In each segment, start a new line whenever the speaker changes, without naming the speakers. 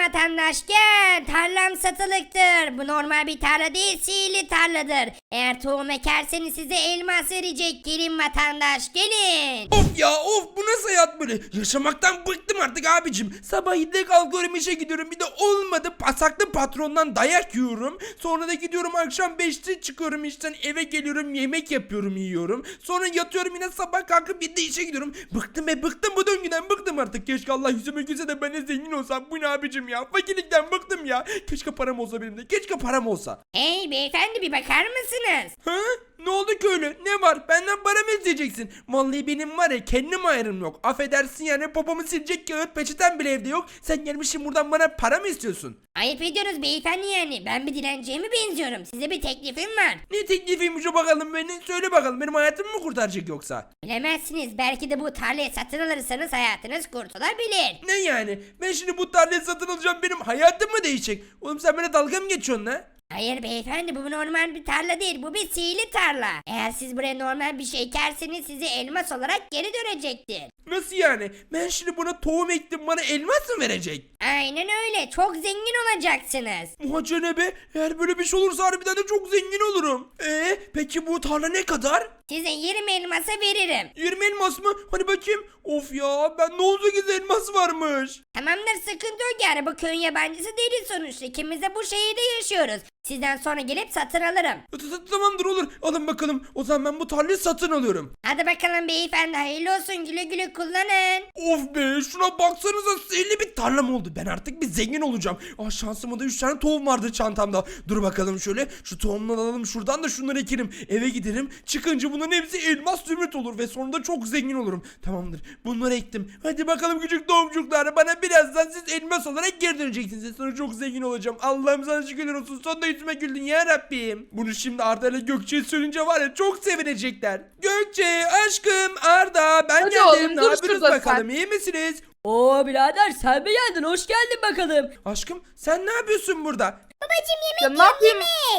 vatandaş gel. Tarlam satılıktır. Bu normal bir tarla değil, sihirli tarladır. Eğer tohum ekerseniz size elmas verecek. Gelin vatandaş gelin.
Of ya of, bu nasıl hayat böyle? Yaşamaktan bıktım artık abicim. Sabah 7'de kalkıyorum, işe gidiyorum, bir de olmadı pasaklı patrondan dayak yiyorum. Sonra da gidiyorum akşam 5'te çıkıyorum işten, eve geliyorum, yemek yapıyorum, yiyorum. Sonra yatıyorum, yine sabah kalkıp bir de işe gidiyorum. Bıktım bıktım bu döngüden, bıktım artık. Keşke Allah yüzüme gülse de ben de zengin olsam. Bu ne abicim ya? Fakirlikten bıktım ya. Keşke param olsa benim de. Keşke param olsa.
Hey beyefendi, bir bakar mısınız?
Ha? Ne oldu ki öyle? Ne var? Benden para mı isteyeceksin? Vallahi benim var ya, kendim ayrım yok. Affedersin yani, popomu silecek kağıt peçeten bile evde yok. Sen gelmişsin buradan bana para mı istiyorsun?
Ayıp ediyorsunuz beyefendi yani. Ben bir dilenciye mi benziyorum? Size bir teklifim var.
Ne teklifiymiş o bakalım beni? Söyle bakalım, benim hayatımı mı kurtaracak yoksa?
Bilemezsiniz. Belki de bu tarlayı satın alırsanız hayatınız kurtulabilir.
Ne yani? Ben şimdi bu tarlayı satın alacağım, benim hayatım mı değişecek? Oğlum sen bana dalga mı geçiyorsun lan?
Hayır beyefendi, bu normal bir tarla değil, bu bir sihirli tarla. Eğer siz buraya normal bir şey ekerseniz size elmas olarak geri dönecektir.
Nasıl yani? Ben şimdi buna tohum ektim, bana elmas mı verecek?
Aynen öyle, çok zengin olacaksınız.
Muhacca ne be? Eğer böyle bir şey olursa harbiden de çok zengin olurum. Peki bu tarla ne kadar?
Size 20 elmasa veririm.
20 elmas mı? Hani bakayım. Of ya, ben ne oldu ki elmas varmış.
Tamamdır, sıkıntı yok yani, bu köyün yabancısı değiliz sonuçta. İkimiz de bu şehirde yaşıyoruz. Sizden sonra gelip satın alırım.
Tamamdır, olur. Alın bakalım. O zaman ben bu tarlayı satın alıyorum.
Hadi bakalım beyefendi, hayırlı olsun, güle güle kullanın.
Of be, şuna baksanıza, sihirli bir tarlam oldu. Ben artık bir zengin olacağım. Şansıma da 3 tane tohum vardı çantamda. Dur bakalım şöyle. Şu tohumları alalım şuradan da şunları ekelim. Eve giderim. Çıkınca bunların hepsi elmas zümrüt olur ve sonunda çok zengin olurum. Tamamdır. Bunları ektim. Hadi bakalım küçük tohumcuklar. Bana birazdan siz elmas olarak geri döneceksiniz. Sonra çok zengin olacağım. Allah'ım sana şükürler olsun. Sonunda yüzüme güldün ya Rabbim. Bunu şimdi Arda ile Gökçe'ye söyleyince var ya, çok sevinecekler. Gökçe, aşkım, Arda, ben
Hadi
geldim.
oğlum,
Ne
dur
yapıyorsunuz
şurada
bakalım? İyi misiniz?
Oo birader, sen mi geldin? Hoş geldin bakalım.
Aşkım, sen ne yapıyorsun burada?
Ya ne yapayım?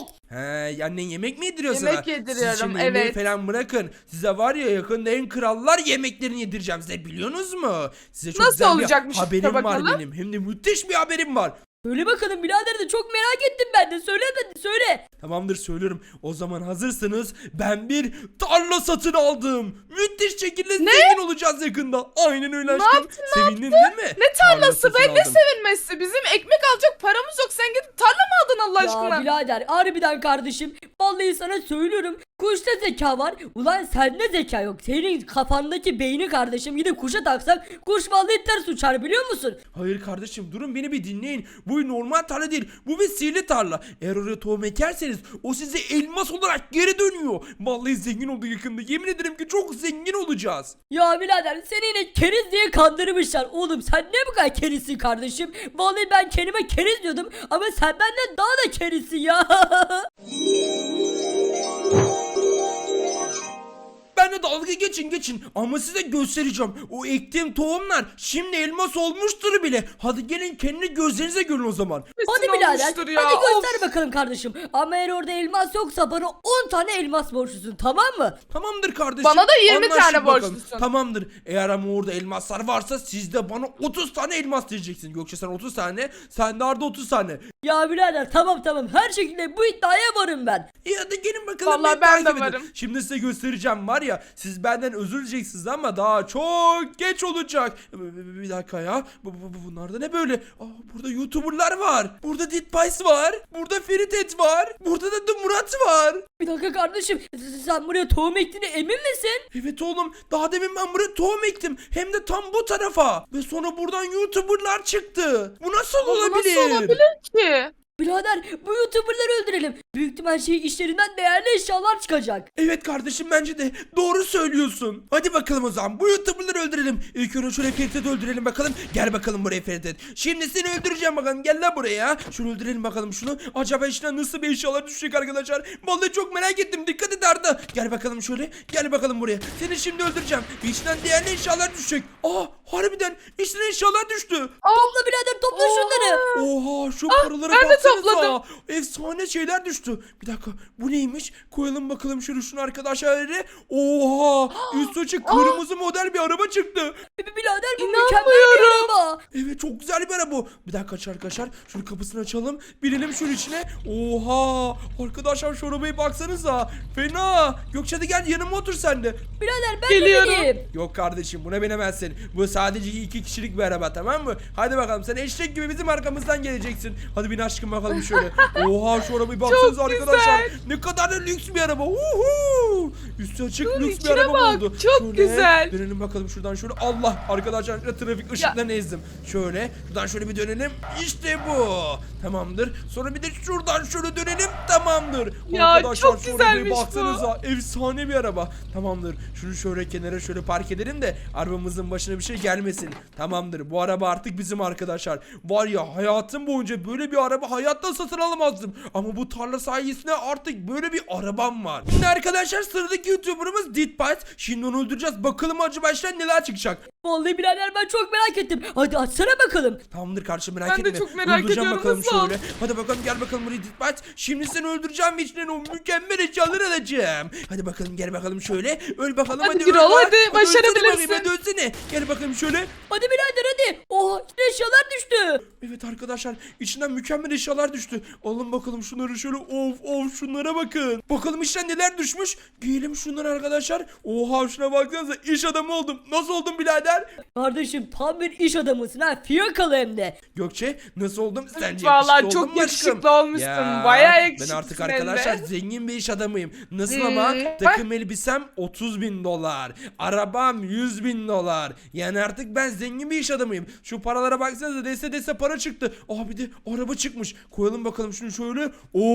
He, annen yemek mi yediriyor sana?
Yemek yediriyorum,
Siz şimdi yemeği
evet.
falan bırakın. Size var ya, yakında en krallar yemeklerini yedireceğim size, biliyorsunuz mu? Size çok
Nasıl
güzel
olacakmış
bir
işte,
haberim var
bakalım.
benim. Hem de müthiş bir haberim var.
Söyle bakalım birader, de çok merak ettim ben de. Söyle hadi, söyle.
Tamamdır, söylüyorum. O zaman hazırsanız ben bir tarla satın aldım. Müthiş şekilde zengin olacağız yakında. Aynen öyle aşkım.
yaptın,
Sevindin değil mi?
Ne tarlası
Tarla
be,
satın
ne
aldım.
sevinmesi? Bizim ekmek alacak paramız yok. Sen gidip tarla mı aldın Allah
Ya
aşkına?
birader, harbiden kardeşim. Vallahi sana söylüyorum. Kuşta zeka var. Ulan sende zeka yok. Senin kafandaki beyni kardeşim. Gidip kuşa taksak kuş vallahi ters uçar, biliyor musun?
Hayır kardeşim, durun beni bir dinleyin. Bu normal tarla değil. Bu bir sihirli tarla. Eğer oraya tohum ekerseniz o size elmas olarak geri dönüyor. Vallahi zengin olduk yakında. Yemin ederim ki çok zengin olacağız.
Ya birader, seni yine keriz diye kandırmışlar. Oğlum sen ne bu kadar kerizsin kardeşim? Vallahi ben kendime keriz diyordum ama sen benden daha da kerizsin ya.
Ben de dalga geçin ama size göstereceğim. O ektiğim tohumlar şimdi elmas olmuştur bile. Hadi gelin, kendi gözlerinize görün o zaman.
Hadi
Kesin
birader,
olmuştur ya,
hadi
of.
göster bakalım kardeşim. Ama eğer orada elmas yoksa bana 10 tane elmas borçlusun, tamam mı?
Tamamdır kardeşim.
Bana da 20
Anlaştık
tane
bakalım.
borçlusun.
Tamamdır. Eğer ama orada elmaslar varsa siz de bana 30 tane elmas diyeceksin. Gökçe sen 30 tane, sen de Arda 30 tane.
Ya birader, tamam her şekilde bu iddiaya varım ben.
İyi hadi gelin bakalım.
Vallahi
beni
ben de
takip edin.
varım.
Şimdi size göstereceğim var ya, siz benden özür dileyeceksiniz ama daha çok geç olacak. Bir dakika ya. Bunlar da ne böyle? Burada YouTuber'lar var. Burada Ditpice var. Burada Feritet var. Burada da The Murat var.
Bir dakika kardeşim, sen buraya tohum ektiğine emin misin?
Evet oğlum, daha demin ben buraya tohum ektim. Hem de tam bu tarafa. Ve sonra buradan YouTuber'lar çıktı. Bu nasıl
Bu
olabilir?
nasıl olabilir ki?
Birader, bu YouTuber'ları öldürelim. Büyük ihtimal işlerinden değerli eşyalar çıkacak.
Evet kardeşim, bence de doğru söylüyorsun. Hadi bakalım o zaman bu YouTuber'ları öldürelim. İlk önce şöyle Ferit'i öldürelim bakalım. Gel bakalım buraya Ferit. Şimdi seni öldüreceğim bakalım. Gel lan buraya. Şunu öldürelim bakalım şunu. Acaba içinden nasıl bir eşyalar düşecek arkadaşlar. Vallahi çok merak ettim. Dikkat et Arda. Gel bakalım şöyle. Gel bakalım buraya. Seni şimdi öldüreceğim. İçinden değerli eşyalar düşecek. Harbiden içinden eşyalar düştü.
Topla birader, topla şunları.
Oha şu paralara
ben de
baksanıza.
topladım.
Efsane şeyler düştü. Bir dakika bu neymiş? Koyalım bakalım şunu arkadaşlar. Oha üstü açık kırmızı model bir araba çıktı.
Birader bu mükemmel bir araba.
Evet çok güzel bir araba. Bir dakika arkadaşlar. Şunu kapısını açalım. Binelim şunun içine. Oha. Arkadaşlar şu arabaya baksanıza. Fena. Gökçe hadi gel yanıma otur sen de.
Birader ben
Geliyorum.
de bineyim.
Yok kardeşim buna binemezsin. Bu sadece 2 kişilik bir araba tamam mı? Hadi bakalım sen eşek gibi bizim arkamızdan geleceksin. Hadi bin aşkım bakalım şöyle. Oha şu arabayı baksanıza
Çok
arkadaşlar.
güzel.
Ne kadar da lüks bir araba. Uhu. Üstü açık
Dur,
lüks bir
içine
araba
bak.
oldu.
Çok
Şöyle
güzel.
Dönelim bakalım şuradan şöyle. Allah arkadaşlar trafik ışıklarını ezdim. Şöyle şuradan şöyle bir dönelim. İşte bu. Tamamdır. Sonra bir de şuradan şöyle dönelim. Tamamdır.
Ya,
Arkadaşlar
çok
şu arabaya
güzelmiş bu.
baksanıza. Efsane bir araba. Tamamdır. Şunu şöyle kenara şöyle park edelim de arabamızın başına bir şey gelmesin. Tamamdır. Bu araba artık bizim arkadaşlar. Var ya hayatım boyunca böyle bir araba hayatta satın alamazdım. Ama bu tarla sayesinde artık böyle bir arabam var. Şimdi arkadaşlar sıradaki YouTuber'ımız Ditbite. Şimdi onu öldüreceğiz. Bakalım acaba baştan neler çıkacak.
Vallahi birader ben çok merak ettim. Hadi açsana bakalım.
Tamamdır kardeşim merak
Ben de
etme.
çok merak
Öldüreceğim
ediyorum,
bakalım
nasıl?
şöyle. Hadi bakalım gel bakalım buraya Ditbite. Şimdi seni öldüreceğim ve içinden o mükemmel eşyaları alacağım. Hadi bakalım gel bakalım şöyle. Öl bakalım
Hadi
hadi.
Gürol,
öl lan.
hadi,
ölsene
başarabilirsin.
bakayım, hadi ölsene. Gel bakalım şöyle.
Hadi birader hadi. Oha içine eşyalar düştü.
Evet arkadaşlar içinden mükemmel eşyalar düştü. Alın bakalım şunları şöyle of şunlara bakın. Bakalım içten neler düşmüş. Giyelim şunları arkadaşlar. Oha şuna baksanıza iş adamı oldum. Nasıl oldum birader?
Kardeşim tam bir iş adamısın ha. Fiyakalı hem de.
Gökçe nasıl oldum? Sence
Vallahi
yakışıklı
çok
oldum mu aşkım?
yakışıklı olmuşsun.
Ya,
Bayağı
Ben
yakışıklısın
artık
hem de.
arkadaşlar zengin bir iş adamıyım. Nasıl ama takım elbisem 30.000 dolar. Arabam 100.000 dolar. Yani artık ben zengin bir iş adamıyım. Şu paralara baksanıza dese para çıktı. Aa bir de araba çıkmış. Koyalım bakalım şunu şöyle.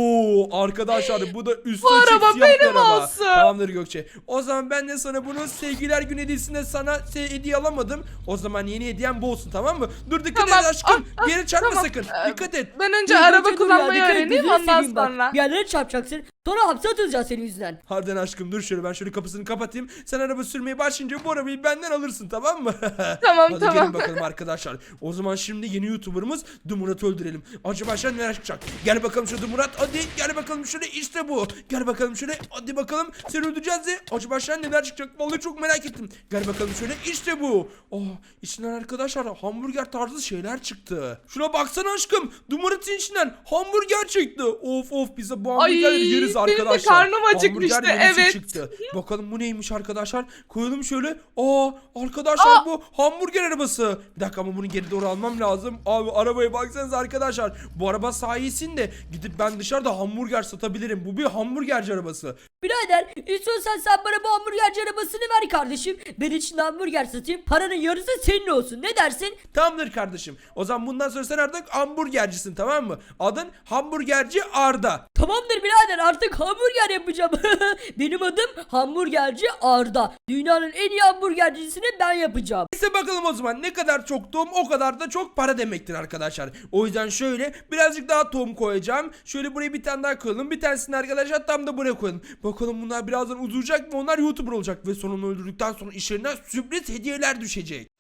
Oo arkadaşlar bu da üstü
Bu
açık
araba
siyah bir
benim
araba.
olsun.
Tamamdır Gökçe. O zaman ben de sana bunu sevgiler günü hediyesinde sana hediye alamadım. O zaman yeni hediyem bu olsun tamam mı? Dur dikkat
Tamam.
et aşkım.
Ah,
Bir yere çarpma
tamam.
sakın. Dikkat et.
Ben önce
Dur,
araba
dur, dur ya,
kullanmayı
dikkat et,
öğreneyim
gözünü
ondan
seveyim bak.
sonra.
Bir yerlere çarpacaksın. Sonra hapse atılacaksın senin yüzünden.
Harbiden aşkım dur şöyle ben şöyle kapısını kapatayım. Sen araba sürmeye başlayınca bu arabayı benden alırsın tamam mı?
Tamam,
Hadi
tamam.
gelin bakalım arkadaşlar. O zaman şimdi yeni YouTuber'ımız Dumurat'ı öldürelim. Acaba aşağı neler çıkacak? Gel bakalım şu Dumurat hadi gel bakalım şöyle işte bu. Gel bakalım şöyle hadi bakalım seni öldüreceğiz de. Acaba aşağı neler çıkacak? Vallahi çok merak ettim. Gel bakalım şöyle işte bu. Oh içinden arkadaşlar hamburger tarzı şeyler çıktı. Şuna baksana aşkım. Dumurat'ın içinden hamburger çıktı. Of bize bu hamburgerleri
Ay,
yeriz
benim de
arkadaşlar.
karnım acıkmıştı,
Hamburger menüsü
evet.
çıktı. Bakalım bu neymiş arkadaşlar. Koyalım şöyle. Arkadaşlar bu hamburger arabası. Bir dakika ama bunu geri doğru almam lazım. Abi arabaya baksanıza arkadaşlar. Bu araba sayesinde gidip ben dışarıda hamburger satabilirim. Bu bir hamburgerci arabası.
Birader istiyorsan sen bana bu hamburgerci arabasını ver kardeşim. Ben içinde hamburger satayım. Paranın yarısı senin olsun. Ne dersin?
Tamamdır kardeşim. O zaman bundan sonra sen artık hamburgercisin tamam mı? Adın hamburgerci Arda.
Tamamdır birader artık hamburger yapacağım. Benim adım hamburgerci Arda. Dünyanın en iyi hamburgercisini ben yapacağım.
Neyse bakalım o zaman ne kadar çok tohum o kadar da çok para demektir arkadaşlar. O yüzden şöyle birazcık daha tohum koyacağım. Şöyle buraya bir tane daha koyalım. Bir tanesini arkadaşlar tam da buraya koyalım. Bakalım bunlar birazdan uzayacak mı? Onlar YouTuber olacak ve sonunu öldürdükten sonra işlerine sürpriz hediyeler düşecek.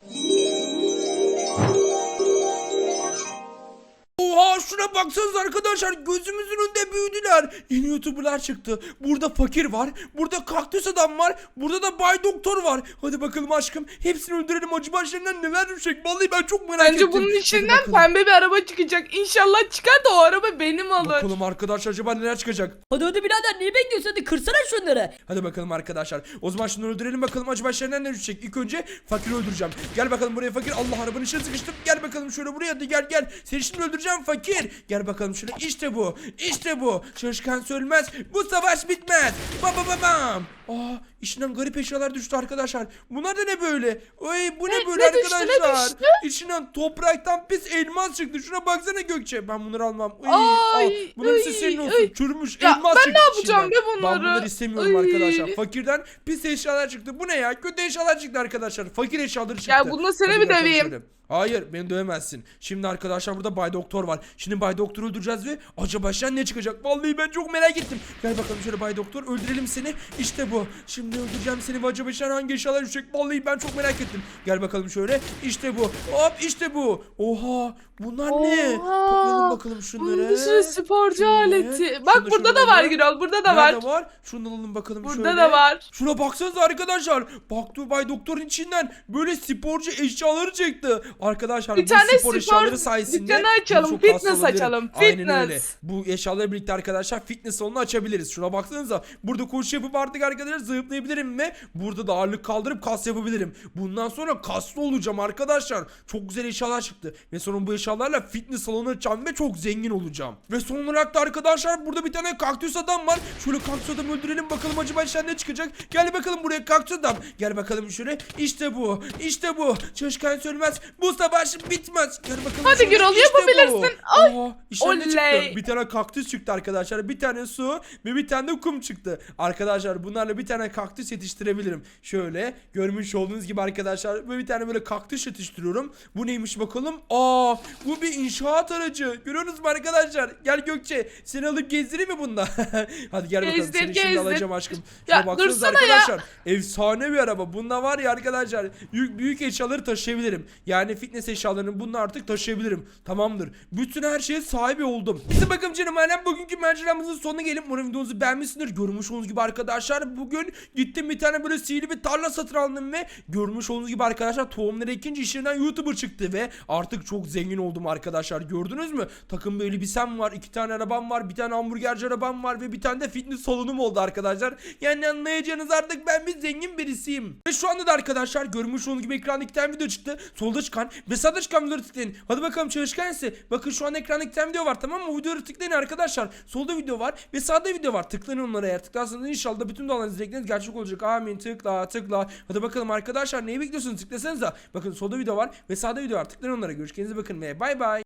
Oha şuna baksanız arkadaşlar gözümüzün önünde büyüdüler. Yeni YouTuber'lar çıktı. Burada fakir var. Burada kaktüs adam var. Burada da Bay Doktor var. Hadi bakalım aşkım. Hepsini öldürelim. Acı başlarından neler düşecek? Vallahi ben çok merak ettim.
Bence bunun
Hadi
içinden
bakalım.
pembe bir araba çıkacak. İnşallah çıkar da o araba benim olur.
Bakalım arkadaşlar acaba neler çıkacak?
Hadi birader niye bekliyorsun? Hadi kırsana şunları.
Hadi bakalım arkadaşlar. O zaman şunları öldürelim bakalım acaba başlarından ne düşecek. İlk önce fakiri öldüreceğim. Gel bakalım buraya fakir. Allah arabanın içine sıkıştım. Gel bakalım şöyle buraya hadi gel. Seni şimdi öldüreceğim fakir. Gel bakalım şöyle işte bu. İşte bu. Çalışkan ölmez. Bu savaş bitmez. Bam. İçinden garip eşyalar düştü arkadaşlar. Bunlar da ne böyle? Oy bu ne böyle
ne düştü,
arkadaşlar?
ne düştü?
İçinden topraktan pis elmas çıktı. Şuna baksana Gökçe. Ben bunları almam.
Ay,
bunların hepsi senin olsun.
ay.
Çürümüş
Ya
elmas
ben
çıktı
ne yapacağım
içinden.
be bunları?
Ben bunları istemiyorum
Ay.
arkadaşlar. Fakirden pis eşyalar çıktı. Bu ne ya? Kötü eşyalar çıktı arkadaşlar. Fakir eşyaları çıktı.
Ya bununla seni
Hadi
mi
bakalım
döveyim?
şöyle. Hayır beni dövemezsin. Şimdi arkadaşlar burada Bay Doktor var. Şimdi Bay Doktor'u öldüreceğiz ve acaba baştan ne çıkacak? Vallahi ben çok merak ettim. Gel bakalım şöyle Bay Doktor öldürelim seni. İşte bu. Şimdi Şimdi öldüreceğim seni ve acaba içinden hangi eşyalar düşecek? Vallahi ben çok merak ettim. Gel bakalım şöyle. İşte bu. Hop işte bu. Oha. Bunlar ne? Toplayalım bakalım şunları.
Bunun bir sürü sporcu
Şöyle.
aleti. Bak
Şunu
burada
şöyle
da var
alalım.
Gürol. Burada da var.
Nerede var? Şunu alalım bakalım
Burada
şöyle.
da var.
Şuna baksanıza arkadaşlar. Bak Bay Doktor'un içinden böyle sporcu eşyaları çıktı. Arkadaşlar
Bir
bu
tane
spor
spor
eşyaları sayesinde
dükkanı açalım,
çok
fitness
kaslı olabilirim.
açalım,
Aynen öyle.
fitness.
Bu eşyalarla birlikte arkadaşlar fitness salonu açabiliriz. Şuna baksanıza. Burada koşu yapıp artık arkadaşlar zıplayabilirim ve burada da ağırlık kaldırıp kas yapabilirim. Bundan sonra kaslı olacağım arkadaşlar. Çok güzel eşyalar çıktı. Ve sonra bu eşyalarla fitness salonu açacağım ve çok zengin olacağım. Ve son olarak da arkadaşlar burada bir tane kaktüs adam var. Şöyle kaktüs adamı öldürelim bakalım acaba içinden ne çıkacak. Gel bakalım buraya kaktüs adam. Gel bakalım şöyle. İşte bu. İşte bu. Çalışkan sönmez. Bu savaş bitmez. Gel bakalım.
Hadi
şöyle.
Gürol,
İşte
yapabilirsin.
bu.
Ay,
Aa, içinden ne
oley.
çıktı? Bir tane kaktüs çıktı arkadaşlar. Bir tane su ve bir tane de kum çıktı. Arkadaşlar bunlarla bir tane kaktüs yetiştirebilirim. Şöyle görmüş olduğunuz gibi arkadaşlar böyle bir tane böyle kaktüs yetiştiriyorum. Bu neymiş bakalım? Aa, bu bir inşaat aracı. Görüyorsunuz mu arkadaşlar? Gel Gökçe, seni alıp gezdireyim mi bunda? Hadi gel bakalım.
Gezdir,
Seni şimdi
gezdir.
alacağım aşkım.
Ya,
Şuna baksanıza
dursana ya.
arkadaşlar. Efsane bir araba. Bunda var ya arkadaşlar. Büyük eşyaları taşıyabilirim. Yani fitness eşyalarını bununla artık taşıyabilirim. Tamamdır. Bütün her şeye sahibi oldum. İşte bakın canım ailem, bugünkü maceramızın sonuna gelip umarım videomuzu beğenmişsinizdir. Görmüş olduğunuz gibi arkadaşlar bugün gittim bir tane böyle sihirli bir tarla satın aldım ve görmüş olduğunuz gibi arkadaşlar tohumları ekince işlerinden YouTuber çıktı ve artık çok zengin oldum arkadaşlar. Gördünüz mü? Takım bir elbisem var, 2 tane arabam var, bir tane hamburgerci arabam var ve bir tane de fitness salonum oldu arkadaşlar. Yani anlayacağınız artık ben bir zengin birisiyim. Ve şu anda da arkadaşlar görmüş olduğunuz gibi ekranda 2 tane video çıktı. Solda çıkan ve sağda çıkan videoları tıklayın. Hadi bakalım çalışkan ise. Bakın şu an ekranda 2 tane video var, tamam mı? O videoları tıklayın arkadaşlar. Solda video var ve sağda video var. Tıklayın onlara, eğer tıklarsanız inşallah bütün dualarınız, dilekleriniz gerçek olacak. Amin. Tıkla tıkla. Hadi bakalım arkadaşlar, neyi bekliyorsunuz? Tıklasanıza. Bakın solda video var ve sağda video var. Tıklayın onlara. Görüşürüz, bakın ve bay bay.